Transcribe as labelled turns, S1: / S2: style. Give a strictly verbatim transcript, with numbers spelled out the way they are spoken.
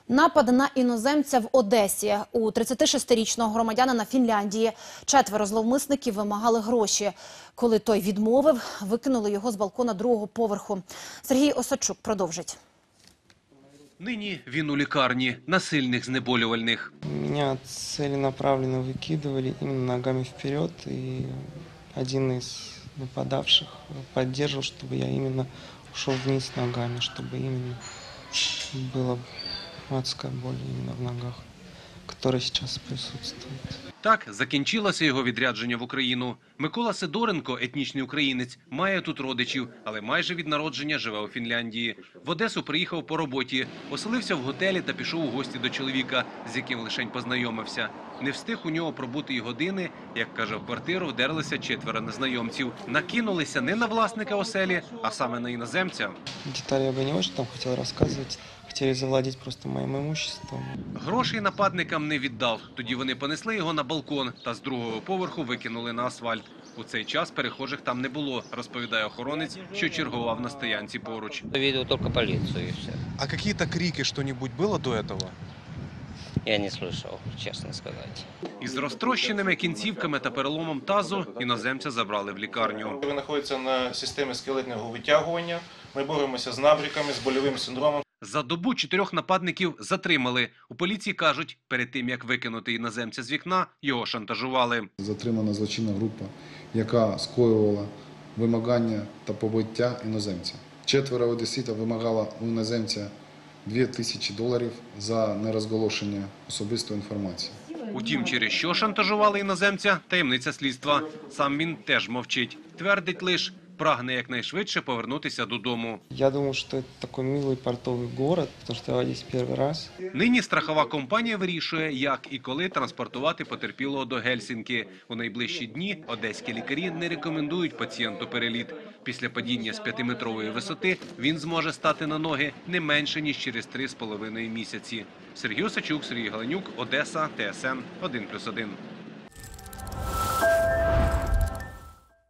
S1: Напад на іноземця в Одесі. У тридцятишестирічного громадянина Фінляндії четверо зловмисників вимагали гроші. Коли той відмовив, викинули його з балкона другого поверху. Сергій Осадчук продовжить.
S2: Нині він у лікарні на сильних знеболювальних.
S3: Меня целенаправленно выкидывали именно ногами вперед, и один из нападавших поддерживал, чтобы я именно ушел вниз ногами, чтобы именно была адская боль именно в ногах, которая сейчас присутствует.
S2: Так закінчилося його відрядження в Україну. Микола Сидоренко, етнічний українець, має тут родичів, але майже від народження живе у Фінляндії. В Одесу приїхав по роботі, оселився в готелі та пішов у гості до чоловіка, з яким лишень познайомився. Не встиг у нього пробути й години, як каже, в квартиру вдерлися четверо незнайомців. Накинулися не на власника оселі, а саме на іноземця.
S3: Детали я бы не очень там хотел рассказывать. Хотели завладеть просто моим имуществом.
S2: Грошей нападникам не віддав. Тоді вони понесли його на балкон та з другого поверху викинули на асфальт. У цей час перехожих там не було, розповідає охоронець, що чергував на стоянці поруч.
S4: Видел только полицию и все.
S5: А какие-то крики, что-нибудь было до этого?
S4: Я не слышал, честно сказать.
S2: Із розтрощеними кінцівками та переломом тазу іноземця забрали в лікарню.
S6: Він знаходиться на системі скелетного витягування. Ми боремося з набряками, з больовим синдромом.
S2: За добу чотирьох нападників затримали. У поліції кажуть, перед тим, як викинути іноземця з вікна, його шантажували.
S7: Затримана злочинна група, яка скоювала вимагання та побиття іноземця. Четверо одеситів вимагало у іноземця дві тисячі доларів за нерозголошення особистої інформації.
S2: Утім, через що шантажували іноземця – таємниця слідства. Сам він теж мовчить. Твердить лише, прагне якнайшвидше повернутися додому.
S3: Я думал, что это такой милый портовый город, потому что я в Одессе первый раз.
S2: Нині страхова компанія вирішує, як і коли транспортувати потерпілого до Гельсінки. У найближчі дні одеські лікарі не рекомендують пацієнту переліт. Після падіння з п'ятиметрової висоти він зможе стати на ноги не менше, ніж через три з половиною місяці. Сергій Осадчук, Сергій Галенюк, Одеса, Т С Н один плюс один.